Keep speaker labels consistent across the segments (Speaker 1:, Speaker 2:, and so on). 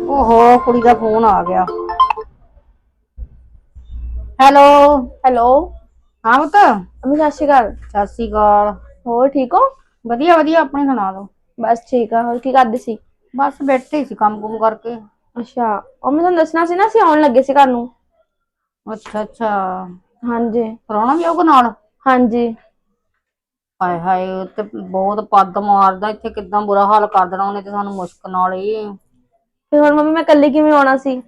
Speaker 1: ਓਹੋ ਕੁੜੀ ਦਾ ਫੋਨ ਆ ਗਿਆ। Hello
Speaker 2: hello.
Speaker 1: ਹਾਂ ਪੁੱਤ।
Speaker 2: ਅਮੀ ਸਤਿ ਸ਼੍ਰੀ ਅਕਾਲ।
Speaker 1: ਸਤਿ ਸ਼੍ਰੀ ਅਕਾਲ।
Speaker 2: ਹੋਰ ਠੀਕ ਹੋ?
Speaker 1: ਵਧੀਆ ਵਧੀਆ, ਆਪਣੀ ਸੁਣਾ ਦੋ।
Speaker 2: ਬਸ ਠੀਕ ਆ। ਹੋਰ ਕੀ ਕਰਦੇ ਸੀ?
Speaker 1: ਬਸ ਬੈਠੇ ਸੀ ਕੰਮ ਕੁਮ ਕਰਕੇ।
Speaker 2: ਅੱਛਾ, ਉਹ ਮੈਂ ਤੁਹਾਨੂੰ ਦੱਸਣਾ ਸੀ ਨਾ, ਅਸੀਂ ਆਉਣ ਲੱਗੇ ਸੀ ਘਰ ਨੂੰ।
Speaker 1: ਅੱਛਾ ਅੱਛਾ,
Speaker 2: ਹਾਂਜੀ
Speaker 1: ਪ੍ਰਾਹੁਣਾ ਵੀ ਆਊਗਾ ਨਾਲ?
Speaker 2: ਹਾਂਜੀ।
Speaker 1: ਹਾਏ ਹਾਏ, ਤੇ ਬਹੁਤ ਪੱਦ ਮਾਰਦਾ ਇੱਥੇ, ਕਿੱਦਾਂ ਬੁਰਾ ਹਾਲ ਕਰ ਦੇਣਾ ਉਹਨੇ ਤੇ ਸਾਨੂੰ ਮੁਸ਼ਕ ਨਾਲ ਹੀ।
Speaker 2: ਤੇ ਹੁਣ ਮੰਮੀ ਮੈਂ ਕੱਲੀ ਕਿਵੇਂ ਆਉਣਾ ਸੀ?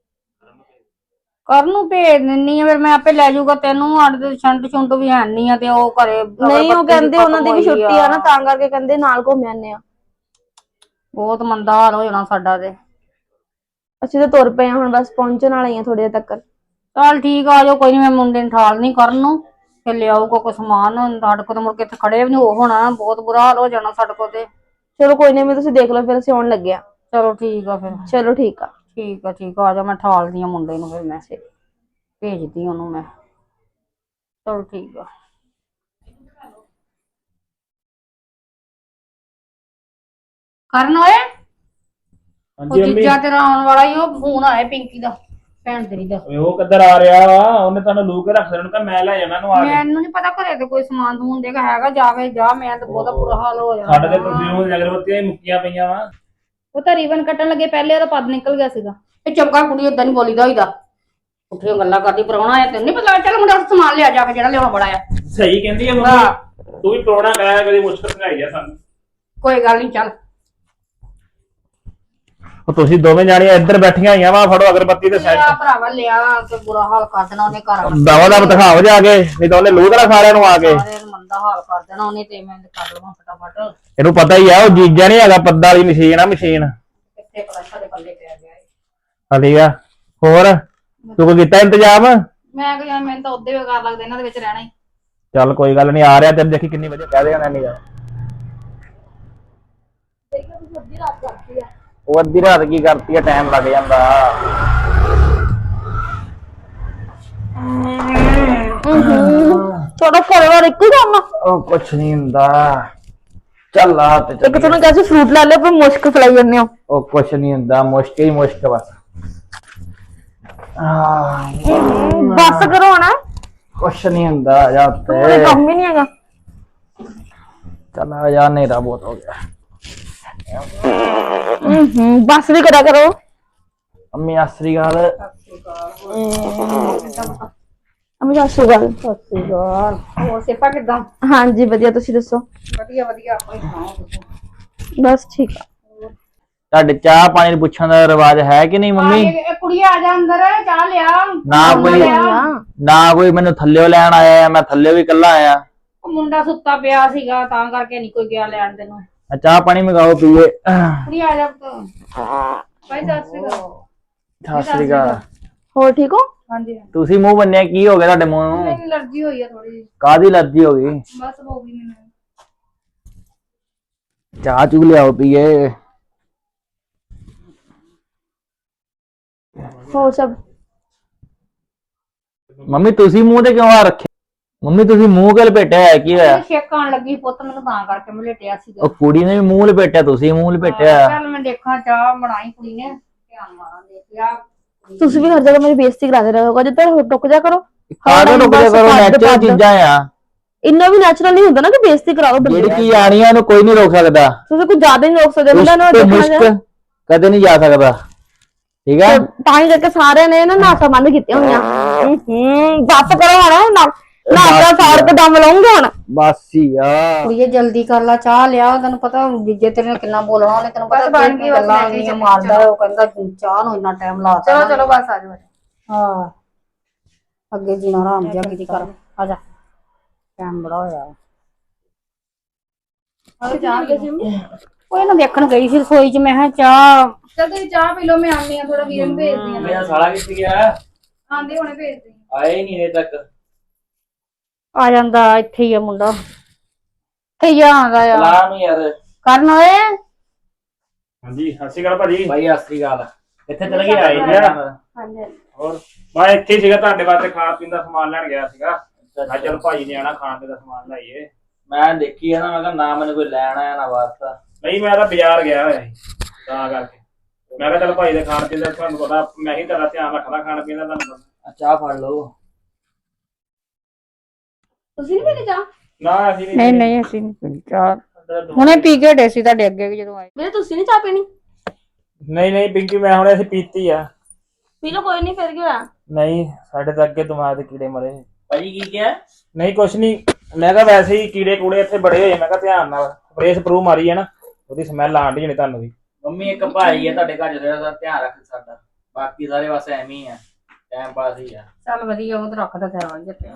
Speaker 1: ਕਰਨ ਨੂੰ ਭੇਜ ਦਿੰਨੀ ਆ, ਫਿਰ ਮੈਂ ਆਪੇ ਲੈ ਜਾਊਗਾ ਤੈਨੂੰ। ਸਾਡੇ ਤੇ ਛੰਟ ਛੁੰਟ ਵੀ ਹੈਨੀ ਆ, ਤੇ ਉਹ ਘਰੇ
Speaker 2: ਨਹੀਂ, ਉਹ
Speaker 1: ਅਗਰਬੱਤੀ ਵੀ
Speaker 2: ਕਹਿੰਦੇ ਉਹਨਾਂ
Speaker 1: ਖਤਮ
Speaker 2: ਦੀ ਵੀ
Speaker 1: ਹੋਈ
Speaker 2: ਛੁੱਟੀ ਆ ਨਾ, ਤਾਂ ਕਰਕੇ ਕਹਿੰਦੇ ਨਾਲ ਘੁੰਮ ਆਨੇ ਆ।
Speaker 1: ਬਹੁਤ ਮੰਦਾ ਹਾਲ ਹੋ ਜਾਣਾ ਸਾਡਾ ਤੇ।
Speaker 2: ਅਸੀਂ ਤਾਂ ਤੁਰ ਪਏ ਹਾਂ ਹੁਣ, ਬਸ ਪਹੁੰਚਣ ਵਾਲੇ ਹੀ ਆ ਥੋੜੀ ਦੇਰ ਤੱਕ।
Speaker 1: ਚੱਲ ਠੀਕ ਆ, ਆਜੋ ਕੋਈ ਨੀ, ਮੈਂ ਮੁੰਡੇ ਨੂੰ ਠਾਲਨੀ ਕਰਨ ਨੂੰ, ਫਿਰ ਲਿਆਊਗਾ ਕੋਈ ਸਮਾਨ। ਸਾਡੇ ਕੋਲ ਤਾਂ ਮੁੜ ਕੇ ਇੱਥੇ ਖੜੇ ਵੀ ਨੀ ਹੋਣਾ, ਬਹੁਤ ਬੁਰਾ ਹਾਲ ਹੋ ਜਾਣਾ ਸਾਡੇ ਕੋਲ ਤੇ।
Speaker 2: ਚਲੋ ਕੋਈ ਨੀ, ਤੁਸੀਂ ਦੇਖ ਲਓ, ਫਿਰ ਅਸੀਂ ਆਉਣ ਲੱਗੇ ਆ।
Speaker 1: ਚਲੋ ਠੀਕ ਆ ਫਿਰ।
Speaker 2: ਚਲੋ ਠੀਕ ਆ।
Speaker 1: ਠੀਕ ਆ ਠੀਕ ਆ, ਆਜਾ ਮੈਂ ਠਾਲਦੀ ਆ ਮੁੰਡੇ ਨੂੰ, ਫਿਰ ਮੈਂ ਭੇਜਦੀ ਉਹਨੂੰ ਮੈਂ। ਚਲੋ ਠੀਕ ਆ। ਕਰਨ ਓਏ, ਉਹ
Speaker 3: ਹਾਂਜੀ ਮੰਮੀ।
Speaker 1: ਜੀਜਾ ਤੇਰਾ ਆਉਣ ਵਾਲਾ ਈ, ਉਹ ਫੋਨ ਆਇਆ ਪਿੰਕੀ ਦਾ, ਭੈਣ ਤੇਰੀ ਦਾ।
Speaker 3: ਉਹ ਕਿੱਧਰ ਆ ਰਿਹਾ ਵਾ? ਉਹਨੇ ਤੁਹਾਨੂੰ ਲੂ ਕੇ ਰੱਖ ਦੇਣਾ, ਮੈਂ ਲੈ ਜਾਣਾ ਉਹਨੂੰ ਆ ਕੇ।
Speaker 1: ਮੈਨੂੰ ਨੀ ਪਤਾ ਘਰੇ ਤੇ ਕੋਈ ਸਮਾਨ ਸਮੂਨ ਦੇਗਾ ਹੈਗਾ, ਜਾਵੇ ਜਾ, ਮੈਂ ਤਾਂ ਬਹੁਤਾ ਬੁਰਾ ਹਾਲ ਹੋ ਜਾਣਾ।
Speaker 3: ਸਾਡੇ ਤੇ ਪਰਫਿਊਮ ਦੀਆਂ ਅਗਰਬੱਤੀਆਂ ਹੀ ਮੁੱਕੀਆਂ ਪਈਆਂ ਵਾ।
Speaker 1: ਉਹ ਤਾਂ ਰੀਬਨ ਕੱਟਣ ਲੱਗੇ ਪਹਿਲੇ ਉਹਦਾ ਪੱਦ ਨਿਕਲ ਗਿਆ ਸੀਗਾ। ਇਹ ਚੁੱਪ ਕਰ ਕੁੜੀ, ਏਦਾਂ ਨੀ ਬੋਲੀਦਾ ਹੋਈਦਾ। ਉੱਠੀਆਂ ਗੱਲਾਂ ਕਰਦੀ, ਪ੍ਰਾਹੁਣਾ ਆਇਆ ਤੈਨੂੰ ਨੀ ਪਤਾ? ਚੱਲ ਮੁੰਡਾ ਸਮਾਨ ਲਿਆ ਜਾ ਕੇ, ਜਿਹੜਾ ਲਿਆਉਣਾ ਬੜਾ ਆ।
Speaker 3: ਸਹੀ ਕਹਿੰਦੀ ਆ ਮੰਮੀ, ਤੂੰ ਵੀ ਪ੍ਰਾਹੁਣਾ ਕਹਿਆ ਕਦੀ ਮੁਸ਼ਕਲ ਸੁਣਾਈ ਆ ਸਾਨੂੰ।
Speaker 1: ਕੋਈ ਗੱਲ ਨੀ, ਚੱਲ।
Speaker 3: ਉਹ ਤੁਸੀਂ ਦੋਵੇਂ ਜਾਣੀਆਂ ਇੱਧਰ ਬੈਠੀਆਂ ਹੋਈਆਂ ਵਾ, ਫੜੋ ਅਗਰਬੱਤੀ ਤੇ
Speaker 1: ਲਿਆ ਭਰਾਵਾ ਲਿਆ, ਤੇ ਬੁਰਾ ਹਾਲ ਕਰ ਦੇਣਾ ਉਹਨੇ ਘਰ ਆਣ ਕੇ।
Speaker 3: ਦਵਾ ਦਾ ਦਿਖਾਓ ਜਾ ਕੇ, ਨਹੀਂ ਤਾਂ ਉਹਨੇ ਲੂ ਕਰਾ ਸਾਰਿਆਂ ਨੂੰ ਆ ਕੇ।
Speaker 1: ਸਾਰਿਆਂ ਨੂੰ ਮੰਦਾ ਹਾਲ ਕਰ ਦੇਣਾ ਉਹਨੇ, ਤੇ ਮੈਂ ਕਰ ਲਵਾਂ ਫਟਾਫਟ।
Speaker 3: ਇਹਨੂੰ ਪਤਾ ਹੀ ਆ, ਉਹ ਜੀਜਾ ਨੀ ਹੈਗਾ, ਪੱਦਾਂ ਵਾਲੀ ਮਸ਼ੀਨ ਆ, ਮਸ਼ੀਨ।
Speaker 1: ਕਿੱਥੇ ਪਤਾ ਸਾਡੇ ਪੱਲੇ ਪੈ ਗਿਆ ਏ।
Speaker 3: ਹਾਂ ਠੀਕ ਆ। ਹੋਰ ਤੂੰ ਕੋਈ ਕੀਤਾ ਇੰਤਜ਼ਾਮ?
Speaker 1: ਮੈਂ ਕਿਹਾ ਮੈਨੂੰ ਤਾਂ ਉਦੋਂ ਬੇਕਾਰ ਲੱਗਦਾ ਇਹਨਾਂ ਦੇ ਵਿੱਚ ਰਹਿਣਾ ਹੀ।
Speaker 3: ਚੱਲ ਕੋਈ ਗੱਲ ਨੀ, ਆ ਰਿਹਾ ਤੈਨੂੰ, ਦੇਖੀ ਕਿੰਨੀ ਵਧੀਆ ਕਹਿ ਦੇਗਾ ਨਾਨੀ ਦਾ। ਉਹ ਅੱਧੀ ਰਾਤ ਕੀ ਕਰਤੀ ਆ, ਟਾਈਮ ਲੱਗ ਜਾਂਦਾ।
Speaker 2: ਤੁਹਾਡਾ ਘਰ ਇੱਕੋ ਹੀ ਕੰਮ ਆ?
Speaker 3: ਉਹ ਕੁਛ ਨਹੀਂ ਹੁੰਦਾ, ਚੱਲ ਆ ਤੇ
Speaker 2: ਇੱਕ ਤੁਹਾਨੂੰ ਕਿਹਾ ਸੀ ਫਰੂਟ ਲੈ ਲਿਓ, ਪਰ ਮੁਸ਼ਕ ਫਲਾਈ ਜਾਂਦੇ ਹੋ।
Speaker 3: ਉਹ ਕੁਛ ਨਹੀਂ ਹੁੰਦਾ, ਮੁਸ਼ਕ ਹੀ ਮੁਸ਼ਕ ਬਸ।
Speaker 2: ਬਸ ਕਰੋ ਨਾ।
Speaker 3: ਕੁਛ ਨਹੀਂ ਹੁੰਦਾ, ਆ ਜਾ ਉੱਤੇ।
Speaker 2: ਕੰਮ ਹੀ ਨਹੀਂ ਹੈਗਾ।
Speaker 3: ਚੱਲ ਆ ਜਾ, ਹਨੇਰਾ ਬਹੁਤ ਹੋ ਗਿਆ।
Speaker 2: ਬਸ ਵੀ ਕਰਿਆ ਕਰੋ।
Speaker 3: ਅੰਮੀ ਆਸਰੀ ਗਾਲ।
Speaker 2: ਅਮੀ ਸਤਿ ਸ਼੍ਰੀ ਅਕਾਲ।
Speaker 1: ਸਤਿ ਸ਼੍ਰੀ ਅਕਾਲ। ਹੋਰ ਸੇਪਾ ਕਿੱਦਾਂ?
Speaker 2: ਹਾਂਜੀ ਵਧੀਆ, ਤੁਸੀਂ ਦੱਸੋ?
Speaker 1: ਵਧੀਆ ਵਧੀਆ, ਆਪਣੀ ਸੁਣਾਓ ਤੁਸੀਂ?
Speaker 2: ਬਸ ਠੀਕ ਆ।
Speaker 3: ਤੁਹਾਡੇ ਚਾਹ ਪਾਣੀ ਪੁੱਛਣ ਦਾ ਰਿਵਾਜ ਹੈ ਕਿ ਨਹੀਂ ਮੰਮੀ?
Speaker 1: ਇਹ ਕੁੜੀ ਆ ਜਾ ਅੰਦਰ, ਚਾਹ ਲਿਆ।
Speaker 3: ਨਾ ਕੋਈ ਮੈਨੂੰ ਥੱਲਿਓ ਲੈਣ ਆਇਆ, ਮੈਂ ਥੱਲਿਓ ਵੀ ਇਕੱਲਾ ਆਇਆ।
Speaker 1: ਉਹ ਮੁੰਡਾ ਸੁੱਤਾ ਪਿਆ ਸੀਗਾ, ਤਾਂ ਕਰਕੇ ਨਹੀਂ ਕੋਈ ਗਿਆ ਲੈਣ ਤੈਨੂੰ।
Speaker 3: ਚਾਹ ਪਾਣੀ ਮੰਗਾਓ ਪੀਏ।
Speaker 1: ਕੁੜੀ ਆ ਜਾ ਭਾਈ, ਸਤਿ ਸ਼੍ਰੀ ਅਕਾਲ।
Speaker 3: ਸਤਿ ਸ਼੍ਰੀ ਅਕਾਲ।
Speaker 2: ਹੋਰ ਠੀਕ ਹੋ?
Speaker 1: ਹਾਂਜੀ।
Speaker 3: ਤੁਸੀਂ ਮੂੰਹ ਬੰਨਿਆ, ਕੀ ਹੋ ਗਿਆ ਤੁਹਾਡੇ ਮੂੰਹ ਨੂੰ?
Speaker 1: ਮੈਨੂੰ ਅਲਰਜੀ ਹੋਈ ਆ ਥੋੜੀ ਜਿਹੀ।
Speaker 3: ਕਾਹਦੀ ਅਲਰਜੀ ਹੋ ਗਈ?
Speaker 1: ਬਸ ਹੋ ਗਈ ਮੈਨੂੰ।
Speaker 3: ਚਾਹ ਚੂ ਲਿਆਓ ਪੀਏ।
Speaker 2: ਹੋਰ ਸਭ?
Speaker 3: ਮੰਮੀ ਤੁਸੀਂ ਮੂੰਹ ਤੇ ਕਿਉਂ ਆ ਰੱਖੇ? ਮੰਮੀ ਤੁਸੀਂ ਮੂੰਹ ਕਿਉਂ ਲਪੇਟਿਆ ਹੈ, ਕੀ ਹੋਇਆ?
Speaker 1: ਛੇਕ ਆਉਣ ਲੱਗੀ ਪੁੱਤ ਮੈਨੂੰ, ਤਾਂ ਕਰਕੇ ਮੈਂ ਲੇਟਿਆ ਸੀਗਾ।
Speaker 3: ਉਹ ਕੁੜੀ ਨੇ ਵੀ ਮੂੰਹ ਲਪੇਟਿਆ, ਤੁਸੀਂ ਮੂੰਹ ਲਪੇਟਿਆ।
Speaker 1: ਚੱਲ ਮੈਂ ਦੇਖਾਂ, ਚਾਹ ਬਣਾਈ ਕੁੜੀ ਨੇ, ਧਿਆਨ ਮਾਰਾਂ ਦੇਖਿਆ।
Speaker 2: ਤੁਸੀਂ ਵੀ ਹਰ ਜਗ੍ਹਾ ਮੇਰੀ ਬੇਇੱਜ਼ਤੀ ਕਰਾਦੇ ਰਹੋਗੇ, ਜਿੱਦਾਂ ਟੁੱਕ ਜਾ ਕਰੋ।
Speaker 3: ਕਾਹਦੇ ਰੁਕ ਜਾ ਕਰੋ, ਨੈਚੁਰਲ ਚੀਜ਼ਾਂ ਆ।
Speaker 2: ਇੰਨਾ ਵੀ ਨੈਚੁਰਲ ਨਹੀਂ ਹੁੰਦਾ ਨਾ ਕਿ ਬੇਇੱਜ਼ਤੀ ਕਰਾਓ ਬੰਦੇ ਦੀ।
Speaker 3: ਜਿਹੜੀ ਚੀਜ਼ ਆਣੀ ਆ ਉਹਨੂੰ ਕੋਈ ਨਹੀਂ ਰੋਕ ਸਕਦਾ।
Speaker 2: ਤੁਸੀਂ ਕੁਝ ਜ਼ਿਆਦਾ ਹੀ ਰੋਕ ਸਕਦੇ ਬੰਦਾ ਨੂੰ
Speaker 3: ਦੇਖਣਾ ਕਦੇ ਨਹੀਂ ਜਾ ਸਕਦਾ, ਠੀਕ ਹੈ?
Speaker 2: ਤਾਂ ਹੀ ਕਰਕੇ ਸਾਰਿਆਂ ਨੇ ਨਾ ਨਾਸਾ ਬੰਦ ਕੀਤੀਆਂ ਹੋਈਆਂ। ਬਸ ਕਰੋ ਹੁਣ, ਨਾਸਾ ਸਾੜ ਕੇ ਦਮ ਲਾਉਂਗੇ ਹੁਣ।
Speaker 3: ਬਸ ਯਾਰ
Speaker 1: ਕੁੜੀਏ ਜਲਦੀ ਕਰ ਲਾ, ਚਾਹ ਲਿਆ। ਤੈਨੂੰ ਪਤਾ ਜੀਜੇ ਤੇਰੇ ਨਾਲ ਕਿੰਨਾ ਬੋਲਣਾ ਉਹਨੇ, ਤੈਨੂੰ ਪਤਾ ਗੱਲਾਂ ਇੰਨੀਆਂ ਮਾਰਦਾ, ਉਹ ਕਹਿੰਦਾ ਚਾਹ ਨੂੰ ਇੰਨਾ ਟਾਈਮ ਲਾਤਾ। ਚਲੋ ਚਲੋ ਬਸ ਆ ਜਾਓ। ਹਾਂ ਅੱਗੇ ਜੀਣਾ ਆਰਾਮ ਜਿਹਾ ਕੀਤੀ ਕਰ, ਆ ਜਾ, ਟਾਈਮ ਬੜਾ ਹੋਇਆ। ਉਹ ਨਾ ਦੇਖਣ ਗਈ ਸੀ ਰਸੋਈ ਚ, ਮੈਂ ਕਿਹਾ ਚਾਹ।
Speaker 4: ਚੱਲ ਤੁਸੀਂ ਚਾਹ ਪੀ ਲਓ, ਮੈਂ ਆਉਂਦੀ ਆ, ਥੋੜਾ ਵੀਰਨ ਭੇਜਦੀ ਆ।
Speaker 3: ਮੇਰਾ ਸਾਲਾ ਕਿੱਥੇ ਗਿਆ?
Speaker 4: ਆਂਦੇ ਹੁਣੇ ਭੇਜਦੀ ਆ।
Speaker 3: ਆਏ ਨਹੀਂ ਹਜੇ ਤੱਕ।
Speaker 1: ਆ ਜਾਂਦਾ, ਇੱਥੇ ਹੀ ਆ ਮੁੰਡਾ, ਇੱਥੇ ਹੀ ਆਉਂਦਾ ਆ।
Speaker 3: ਲਾ ਨੂੰ ਯਾਰ।
Speaker 1: ਕਰਨ ਓਏ।
Speaker 3: ਹਾਂਜੀ ਸਤਿ ਸ਼੍ਰੀ ਅਕਾਲ ਭਾਜੀ। ਭਾਈ ਸਤਿ ਸ਼੍ਰੀ ਅਕਾਲ। ਇੱਥੇ ਚਲੇ ਗਏ? ਆਏ ਯਾਰ।
Speaker 1: ਹਾਂਜੀ।
Speaker 3: ਹੋਰ ਮੈਂ ਇੱਥੇ ਹੀ ਸੀਗਾ, ਤੁਹਾਡੇ ਵਾਸਤੇ ਖਾਣ ਪੀਣ ਦਾ ਸਮਾਨ ਲੈਣ ਗਿਆ ਸੀਗਾ। ਮੈਂ ਚਲ ਭਾਈ ਨੇ ਆਣਾ, ਖਾਣ ਪੀਣ ਦਾ ਸਮਾਨ ਲਾਈਏ। ਮੈਂ ਦੇਖੀ ਆ ਨਾ, ਮੈਂ ਕਿਹਾ ਨਾ ਮੈਨੂੰ ਕੋਈ ਲੈਣ ਆਇਆ ਨਾ ਵਾਸਤਾ। ਨਹੀਂ ਮੈਂ ਤਾਂ ਬਾਜ਼ਾਰ ਗਿਆ ਹੋਇਆ ਸੀ, ਤਾਂ ਕਰਕੇ। ਮੈਂ ਕਿਹਾ ਚੱਲ ਭਾਈ ਦੇ ਖਾਣ ਪੀਣ ਦਾ ਤੁਹਾਨੂੰ ਪਤਾ ਮੈਂ ਹੀ ਤੇਰਾ ਧਿਆਨ ਰੱਖਦਾ ਖਾਣ ਪੀਣ ਦਾ ਤੁਹਾਨੂੰ ਪਤਾ।
Speaker 5: ਚਾਹ ਫੜ ਲਓ।
Speaker 4: ਤੁਸੀਂ ਨਹੀਂ ਪੀਣੀ ਚਾਹ?
Speaker 3: ਨਾ ਅਸੀਂ
Speaker 1: ਨਹੀਂ ਨਹੀਂ ਅਸੀਂ ਨਹੀਂ ਪੀਣੀ ਚਾਹ, ਹੁਣੇ ਪੀ ਕੇ ਹਟੇ ਸੀ ਤੁਹਾਡੇ ਅੱਗੇ ਵੀ ਜਦੋਂ ਆਏ।
Speaker 2: ਵੀਰੇ ਤੁਸੀਂ ਨਹੀਂ ਚਾਹ ਪੀਣੀ?
Speaker 3: ਨਹੀਂ ਪਿੰਕੀ ਮੈਂ ਹੁਣੇ ਅਸੀਂ ਪੀਤੀ ਆ।
Speaker 2: ਪੀ ਲਓ ਕੋਈ ਨਹੀਂ, ਫਿਰ ਕੀ ਹੋਇਆ?
Speaker 3: ਨਹੀਂ ਸਾਡੇ ਤਾਂ ਅੱਗੇ ਦਿਮਾਗ ਦੇ ਕੀੜੇ ਮਰੇ।
Speaker 5: ਭਾਜੀ ਕੀ ਕਿਹਾ?
Speaker 3: ਨਹੀਂ ਕੁਛ ਨਹੀਂ, ਮੈਂ ਕਿਹਾ ਵੈਸੇ ਹੀ ਕੀੜੇ ਕੂੜੇ ਇੱਥੇ ਬੜੇ ਹੋਏ, ਮੈਂ ਕਿਹਾ ਧਿਆਨ ਨਾਲ ਸਪਰੇਅ ਸਪਰੂ ਮਾਰੀ ਹੈ ਨਾ, ਉਹਦੀ ਸਮੈਲ ਆਣ ਢੀ ਜਣੀ ਤੁਹਾਨੂੰ ਵੀ।
Speaker 5: ਮੰਮੀ ਇੱਕ ਭਾਈ ਹੈ ਤੁਹਾਡੇ ਘਰ ਜਿਹੜਾ ਧਿਆਨ ਰੱਖ ਸਾਡਾ, ਬਾਕੀ ਸਾਰੇ ਬਸ ਐਵੇਂ ਹੀ ਆ, ਟਾਈਮ ਪਾਸ ਹੀ ਆ।
Speaker 1: ਚੱਲ ਵਧੀਆ, ਉਹ ਤਾਂ ਰੱਖਦਾ ਤੇਰਾ ਜਿੱਤੇ।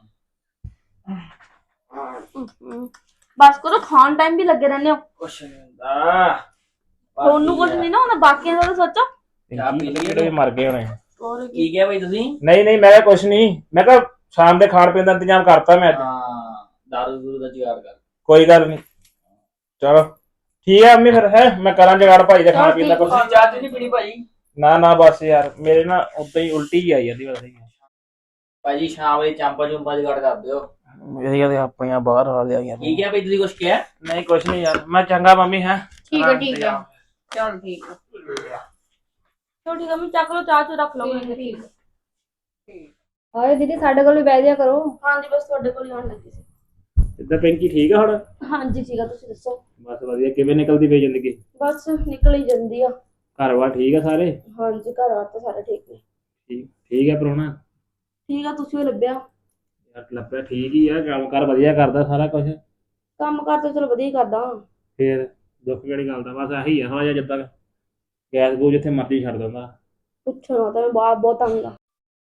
Speaker 2: ਬਸ ਕਰੋ, ਖਾਣ ਟਾਈਮ ਵੀ ਲੱਗੇ ਰਹਿੰਦੇ ਹੋ।
Speaker 5: ਕੁਛ ਨਹੀਂ ਹੁੰਦਾ
Speaker 2: ਤੁਹਾਨੂੰ ਕੁਝ ਨਹੀਂ ਨਾ ਹੁੰਦਾ, ਬਾਕੀਆਂ ਦਾ ਤਾਂ ਸੋਚੋ।
Speaker 5: ਚਾਹ ਪੀ ਲਈਏ।
Speaker 3: ਕੀੜੇ ਵੀ ਮਰ ਗਏ ਹੋਣੇ।
Speaker 2: ਹੋਰ ਕੀ।
Speaker 5: ਕੀ ਕਿਹਾ ਭਾਈ ਤੁਸੀਂ?
Speaker 3: ਨਹੀਂ ਮੈਂ ਕਿਹਾ ਕੁਛ ਨਹੀਂ, ਮੈਂ ਕਿਹਾ ਸ਼ਾਮ ਦੇ ਖਾਣ ਪੀਣ ਦਾ ਇੰਤਜ਼ਾਮ ਕਰਤਾ ਮੈਂ ਅੱਜ।
Speaker 5: ਹਾਂ ਦਾਰੂ ਦੂਰੂ ਦਾ ਜੁਗਾੜ ਕਰ।
Speaker 3: ਕੋਈ ਗੱਲ ਨਹੀਂ, ਚਲੋ ਠੀਕ ਹੈ ਅੰਮੀ, ਫਿਰ ਹੈ ਮੈਂ ਕਰਾਂ ਜਗਾੜ ਭਾਈ ਦੇ ਖਾਣ ਪੀਣ ਦਾ ਕੁਛ।
Speaker 5: ਤੁਸੀਂ ਚਾਹ ਤੇ ਨਹੀਂ ਪੀਣੀ ਭਾਜੀ?
Speaker 3: ਨਾ ਬਸ ਯਾਰ ਮੇਰੇ ਨਾ ਉਦਾਂ ਹੀ ਉਲਟੀ ਹੀ ਆਈ ਜਾਂਦੀ ਪਤਾ ਨਹੀਂ।
Speaker 5: ਭਾਜੀ ਸ਼ਾਮ ਵੇਲੇ ਚਾਂਪਾ ਚੁੰਪਾ ਜੁਗਾੜ ਕਰ ਦਿਓ।
Speaker 3: ਮੇਰੀਆਂ ਤੇ ਆਪਣੀਆਂ ਬਾਹਰ ਆ ਲਿਆ ਯਾਰ।
Speaker 5: ਕੀ ਕਿਹਾ ਭਾਈ ਤੁਸੀਂ? ਕੁਛ ਕਿਹਾ?
Speaker 3: ਨਹੀਂ ਕੁਛ ਨਹੀਂ ਯਾਰ, ਮੈਂ ਚੰਗਾ ਮੰਮੀ ਹੈ।
Speaker 1: ਠੀਕ ਹੈ ਚੱਲ ਠੀਕ ਹੈ।
Speaker 2: ਚਲੋ ਠੀਕ ਹੈ, ਮੈਂ ਚੱਕ ਲਓ, ਚਾਹ ਚ ਰੱਖ ਲਓ।
Speaker 4: ਹਾਏ ਦੀਦੀ ਸਾਡੇ ਕੋਲ ਵੀ ਬਹਿ ਜਾ ਕਰੋ।
Speaker 2: ਹਾਂਜੀ ਬਸ ਤੁਹਾਡੇ ਕੋਲ ਹੀ ਆਉਣ ਲੱਗੀ ਸੀ।
Speaker 3: ਇੱਦਾਂ ਪਿੰਕੀ ਠੀਕ ਆ ਹੁਣ?
Speaker 2: ਹਾਂਜੀ ਠੀਕ ਆ, ਤੁਸੀਂ ਦੱਸੋ।
Speaker 3: ਬਸ ਵਧੀਆ, ਕਿਵੇਂ ਨਿਕਲਦੀ ਪਈ ਜ਼ਿੰਦਗੀ?
Speaker 2: ਬਸ ਨਿਕਲ ਹੀ ਜਾਂਦੀ ਆ।
Speaker 3: ਘਰ ਵਾਰ ਠੀਕ ਆ ਸਾਰੇ?
Speaker 2: ਹਾਂਜੀ ਘਰ ਆ ਤਾਂ ਸਾਰੇ ਠੀਕ ਨੇ।
Speaker 3: ਠੀਕ ਹੈ ਪ੍ਰਾਹੁਣਾ?
Speaker 2: ਠੀਕ ਆ, ਤੁਸੀਂ ਉਹ ਲੱਭਿਆ?
Speaker 3: ਯਾਰ ਲੱਭਿਆ ਠੀਕ ਹੀ ਆ, ਕੰਮ ਕਾਰ ਵਧੀਆ ਕਰਦਾ ਸਾਰਾ ਕੁਝ।
Speaker 2: ਕੰਮ ਕਾਰ ਤਾਂ ਚਲੋ ਵਧੀਆ ਹੀ ਕਰਦਾ।
Speaker 3: ਫੇਰ ਦੁੱਖ ਕਿਹੜੀ ਗੱਲ ਦਾ, ਬਸ ਆਹੀ ਆ ਥੋੜਾ ਜਿਹਾ ਜਿੱਦਾਂ ਗੈਸ ਗੂਸ ਜਿੱਥੇ ਮਰਜ਼ੀ ਛੱਡ ਦਿੰਦਾ।
Speaker 2: ਪੁੱਛੋ ਨਾ, ਤਾਂ ਮੈਂ ਬਹੁਤ ਤੰਗ ਆ।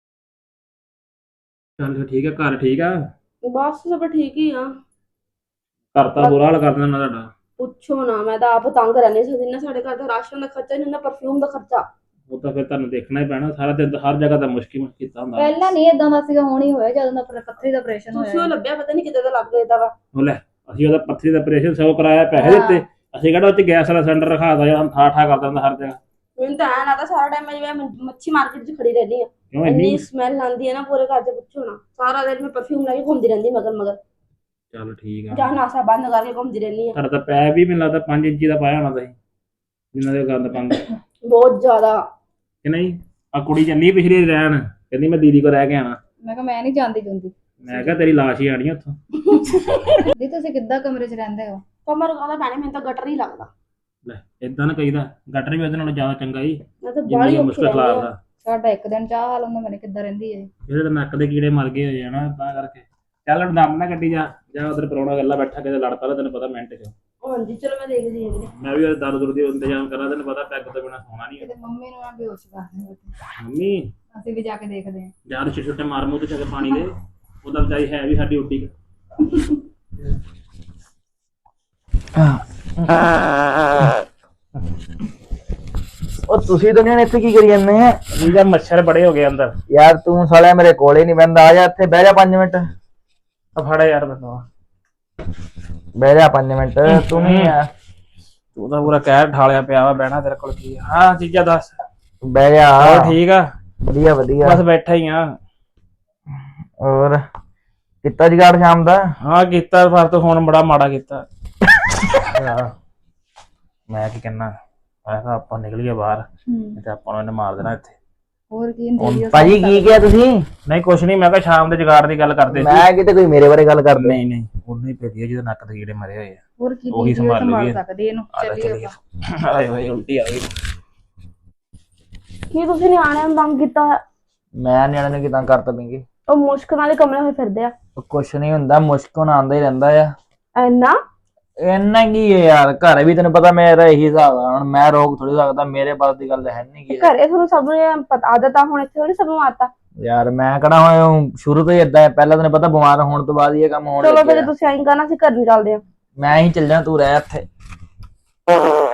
Speaker 3: ਚੱਲ ਫਿਰ ਠੀਕ ਆ, ਘਰ ਠੀਕ ਆ?
Speaker 2: ਬਸ ਸਭ ਠੀਕ ਹੀ ਆ।
Speaker 3: ਘਰ ਤਾਂ ਬੁਰਾ ਹਾਲ ਕਰ ਦਿੰਦਾ ਤੁਹਾਡਾ।
Speaker 2: ਪੁੱਛੋ ਨਾ, ਮੈਂ ਤਾਂ ਆਪ ਤੰਗ ਰਹਿੰਦੀ ਸੀ। ਜਿੰਨਾ ਸਾਡੇ ਘਰ ਦਾ ਰਾਸ਼ਨ ਦਾ ਖਰਚਾ, ਜਿੰਨਾ ਪਰਫਿਊਮ ਦਾ ਖਰਚਾ।
Speaker 3: ਉਹ ਤਾਂ ਫਿਰ ਤੁਹਾਨੂੰ ਦੇਖਣਾ ਹੀ ਪੈਣਾ ਸਾਰਾ ਦਿਨ, ਹਰ ਜਗ੍ਹਾ ਤਾਂ ਮੁਸ਼ਕਿਲ ਕੀਤਾ ਹੁੰਦਾ।
Speaker 4: ਪਹਿਲਾਂ ਨਹੀਂ ਇਦਾਂ ਦਾ ਸੀਗਾ, ਹੁਣ ਹੀ ਹੋਇਆ ਜਦੋਂ ਦਾ ਪੱਥਰੀ ਦਾ ਆਪਰੇਸ਼ਨ
Speaker 2: ਤੁਸੀਂ ਉਹ
Speaker 4: ਹੋਇਆ।
Speaker 2: ਲੱਭਿਆ, ਪਤਾ ਨਹੀਂ ਕਿਤੇ ਦਾ ਲੱਗ ਗਿਆ ਵਾ।
Speaker 3: ਉਹ ਲੈ, ਅਸੀਂ ਉਹਦਾ ਪੱਥਰੀ ਦਾ ਆਪਰੇਸ਼ਨ ਸਭ ਕਰਾਇਆ, ਪੈਸੇ ਦਿੱਤੇ, ਅਸੀਂ ਕਿਹੜਾ ਉੱਥੇ ਗੈਸ ਵਾਲਾ ਸਿਲੰਡਰ ਰਖਾਤਾ ਜਾਂ ਠਾ ਕਰ ਦਿੰਦਾ ਹਰ ਜਗ੍ਹਾ।
Speaker 2: ਮੈਨੂੰ ਤਾਂ ਐਂ ਲੱਗਦਾ ਸਾਰਾ ਟਾਈਮ ਮੈਂ ਜਿਵੇਂ ਮੱਛੀ ਮਾਰਕੀਟ 'ਚ ਖੜੀ ਰਹਿੰਦੀ ਆ।
Speaker 3: ਕਿਉਂ
Speaker 2: ਇੰਨੀ
Speaker 3: ਇੰਨੀ?
Speaker 2: ਸਮੈਲ ਆਉਂਦੀ ਹੈ ਨਾ ਪੂਰੇ ਘਰ 'ਚ, ਪੁੱਛੋ ਨਾ। ਸਾਰਾ ਦਿਨ ਮੈਂ ਪਰਫਿਊਮ ਲਾ ਕੇ ਘੁੰਮਦੀ ਰਹਿੰਦੀ ਮਗਰ।
Speaker 3: ਚੱਲ ਠੀਕ ਆ।
Speaker 2: ਜਾਂ ਨਾਸਾ ਬੰਦ ਕਰਕੇ ਘੁੰਮਦੀ ਰਹਿੰਦੀ ਆ।
Speaker 3: ਤੁਹਾਡਾ ਤਾਂ ਪੈ ਵੀ ਮੈਨੂੰ ਲੱਗਦਾ 5 ਇੰਚੀ ਦਾ ਪਾਇਆ ਹੋਣਾ ਤੁਸੀਂ, ਜਿੰਨਾ ਦੇ ਗੰਦ ਪਾਉਂਦੇ
Speaker 2: ਬਹੁਤ ਜ਼ਿਆਦਾ।
Speaker 3: ਕਿ ਨਹੀਂ? ਆ ਕੁੜੀ ਚੱਲੀ ਪਿਛਲੀ ਰਹਿਣ, ਕਹਿੰਦੀ ਮੈਂ ਦੀਦੀ ਕੋਲ ਰਹਿ ਕੇ ਆਣਾ।
Speaker 4: ਮੈਂ ਕਿਹਾ ਮੈਂ ਨਹੀਂ ਜਾਂਦੀ ਜੁੰਦੀ।
Speaker 3: ਮੈਂ ਕਿਹਾ ਤੇਰੀ ਲਾਸ਼ ਹੀ ਆਣੀ ਉੱਥੋਂ।
Speaker 4: ਦੀ ਤੁਸੀਂ ਕਿੱਦਾਂ ਕਮਰੇ 'ਚ ਰਹਿੰਦੇ ਹੋ?
Speaker 2: ਕਮਰ ਕਾਹਦਾ ਪੈਣਾ, ਮੈਨੂੰ ਤਾਂ ਗਟਰ ਹੀ ਲੱਗਦਾ।
Speaker 3: ਲੈ ਇਦਾਂ ਨਾ ਕਹੀਦਾ, ਗਟਰ ਵੀ ਉਹਦੇ ਨਾਲੋਂ ਜ਼ਿਆਦਾ ਚੰਗਾ ਹੀ,
Speaker 2: ਮੈਂ ਤਾਂ
Speaker 3: ਜਿੰਨੀ
Speaker 2: ਬਾਹਲੀ
Speaker 3: ਮੁਸ਼ਕਲ ਖਲਾਰਦਾ।
Speaker 4: ਸਾਡਾ ਇੱਕ ਦਿਨ ਚਾਹ ਹਾਲ ਹੁੰਦਾ, ਮੈਨੇ ਕਿੱਦਾਂ ਰਹਿੰਦੀ ਹੈ।
Speaker 3: ਇਹਦੇ ਤਾਂ ਨੱਕ ਦੇ ਕੀੜੇ ਮਰ ਗਏ ਹੋਏ ਆ ਨਾ, ਤਾਂ ਕਰਕੇ। ਚੱਲ ਹੁਣ ਦਮ ਨਾ ਕੱਢੀ ਜਾ ਉਧਰ ਪ੍ਰਾਹੁਣਾ ਗੱਲਾਂ ਬੈਠਾ ਕਿਤੇ ਲੜ ਪਾ, ਤੈਨੂੰ ਪਤਾ ਮਿੰਟ 'ਚ।
Speaker 2: ਹਾਂਜੀ ਚਲੋ ਮੈਂ ਦੇਖਦੀ ਹਾਂ।
Speaker 3: ਮੈਂ ਵੀ ਦਰ ਦੁਰ ਦੀ ਇੰਤਜ਼ਾਮ ਕਰਾਂ, ਤੈਨੂੰ ਪਤਾ ਪੈਗ ਤੋਂ ਬਿਨਾ ਸੌਣਾ ਨਹੀਂ।
Speaker 4: ਕਿਤੇ ਮੰਮੀ ਨੂੰ ਨਾ ਬੇਹੋਸ਼ ਕਰ ਦਿਓ।
Speaker 3: ਮੰਮੀ
Speaker 4: ਅਸੀਂ ਵੀ ਜਾ ਕੇ ਦੇਖਦੇ ਹਾਂ।
Speaker 3: ਯਾਰ ਛੋਟੇ ਮਾਰ ਮੂੰਹ ਤੇ ਚੱਕ ਪਾਣੀ ਦੇ, ਉਹਦਾ ਵਿਚਾਰੀ ਹੈ ਵੀ ਸਾਡੀ ਉੱਡੀ।
Speaker 6: ਉਹ ਤੁਸੀਂ ਦੁਨੀਆ ਨੇ ਇੱਥੇ ਕੀ ਕਰੀ ਜਾਂਦੇ ਆ
Speaker 3: ਇਹਦਾ ਮੱਛਰ ਬੜੇ ਹੋ ਗਏ ਅੰਦਰ।
Speaker 6: ਯਾਰ? ਤੂੰ ਸਾਲਿਆ ਮੇਰੇ ਕੋਲੇ ਨਹੀਂ ਬਹਿੰਦਾ, ਆ ਜਾ ਇੱਥੇ ਬਹਿ ਜਾ 5 ਮਿੰਟ।
Speaker 3: ਆ ਫੜ ਯਾਰ ਮੈਨੂੰ,
Speaker 6: ਬਹਿ ਜਾ 5 ਮਿੰਟ। ਤੂੰ ਵੀ ਆ,
Speaker 3: ਤੂੰ ਤਾਂ ਪੂਰਾ ਕਹਿਰ ਠਾਲਿਆ ਪਿਆ ਵਾ, ਬਹਿਣਾ ਤੇਰੇ ਕੋਲ ਕੀ ਆ? ਹਾਂ ਚੀਜ਼ਾਂ ਦੱਸ।
Speaker 6: ਬਹਿ ਜਾ।
Speaker 3: ਹੋਰ ਠੀਕ ਆ?
Speaker 6: ਵਧੀਆ ਵਧੀਆ।
Speaker 3: ਬਸ ਬੈਠਾ ਹੀ ਆ।
Speaker 6: ਹੋਰ ਕੀਤਾ ਜਗਾੜ ਸ਼ਾਮ ਦਾ?
Speaker 3: ਹਾਂ ਕੀਤਾ, ਪਰ ਤੂੰ ਹੁਣ ਬੜਾ ਮਾੜਾ ਕੀਤਾ। ਮੈਂ ਕੀ ਕਹਿਣਾ, ਮੈਂ ਕਿਹਾ ਆਪਾਂ ਨਿਕਲੀਏ ਬਾਹਰ, ਤੇ ਆਪਾਂ ਨੂੰ ਇਹਨੇ ਮਾਰ ਦੇਣਾ ਇੱਥੇ।
Speaker 4: ਹੋਰ ਕੀ ਹੁੰਦੀ?
Speaker 6: ਭਾਜੀ ਕੀ ਕਿਹਾ ਤੁਸੀਂ?
Speaker 3: ਨਹੀਂ ਕੁਛ ਨਹੀਂ, ਮੈਂ ਕਿਹਾ ਸ਼ਾਮ ਦੇ ਜਗਾੜ ਦੀ ਗੱਲ ਕਰਦੇ ਸੀ।
Speaker 6: ਮੈਂ ਕਿਤੇ ਕੋਈ ਮੇਰੇ ਬਾਰੇ ਗੱਲ ਕਰਦੇ?
Speaker 3: ਨਹੀਂ ਉਹਨੂੰ ਹੀ ਭੇਜੀ ਜਿਹਦੇ ਨੱਕ ਦੇ ਕੀੜੇ ਮਰੇ ਹੋਏ ਆ।
Speaker 4: ਹੋਰ ਕੀ
Speaker 3: ਉਹੀ ਸੰਭਾਲ ਲਈਏ।
Speaker 4: ਸਕਦੇ ਇਹਨੂੰ। ਚੱਲੀਏ
Speaker 3: ਆਏ ਹੋਏ ਉਲਟੀ ਆ ਗਈ।
Speaker 2: ਕੀ ਤੁਸੀਂ ਨਿਆਣਿਆਂ ਨੂੰ ਤੰਗ ਕੀਤਾ ਹੋਇਆ?
Speaker 6: ਮੈਂ ਨਿਆਣੇ ਨੂੰ ਕਿਦਾਂ ਕਰਤਾ ਪਿੰਗੀ?
Speaker 2: ਉਹ ਮੁਸ਼ਕ ਨਾਲ ਹੀ ਕਮਰੇ ਹੋਏ ਫਿਰਦੇ ਆ।
Speaker 6: ਕੁਛ ਨਹੀਂ ਹੁੰਦਾ, ਮੁਸ਼ਕ ਹੁਣ ਆਉਂਦਾ ਹੀ ਰਹਿੰਦਾ ਆ।
Speaker 2: ਇੰਨਾ
Speaker 6: ਇੰਨਾ ਕੀ ਹੈ ਯਾਰ, ਘਰ ਵੀ ਤੈਨੂੰ ਪਤਾ ਮੇਰਾ ਇਹੀ ਹਿਸਾਬ ਆ। ਹੁਣ ਮੈਂ ਰੋਕ ਥੋੜੀ ਸਕਦਾ, ਮੇਰੇ ਬਾਤ ਦੀ ਗੱਲ ਹੈ ਨਹੀਂ ਕੀ।
Speaker 2: ਘਰੇ ਤੁਹਾਨੂੰ ਸਭ ਨੂੰ ਪਤਾ, ਆਦਤ ਆ, ਹੁਣ ਇੱਥੇ ਥੋੜੀ ਸਭ ਨੂੰ ਆਦਤ।
Speaker 6: ਯਾਰ ਮੈਂ ਕਿਹੜਾ ਹੁਣ ਸ਼ੁਰੂ ਤੋਂ ਹੀ ਏਦਾਂ ਹੈ, ਪਹਿਲਾਂ ਤੈਨੂੰ ਪਤਾ ਬਿਮਾਰ ਹੋਣ ਤੋਂ ਬਾਅਦ ਹੀ ਇਹ ਕੰਮ ਹੋਣ
Speaker 2: ਚਲੋ
Speaker 6: ਲੱਗਿਆ।
Speaker 2: ਫਿਰ ਤੁਸੀਂ ਐਂ ਕਰਨਾ, ਅਸੀਂ ਘਰ ਨੂੰ ਚੱਲਦੇ ਆ।
Speaker 6: ਮੈਂ ਹੀ ਚੱਲ ਜਾ, ਤੂੰ ਰਹਿ ਇੱਥੇ।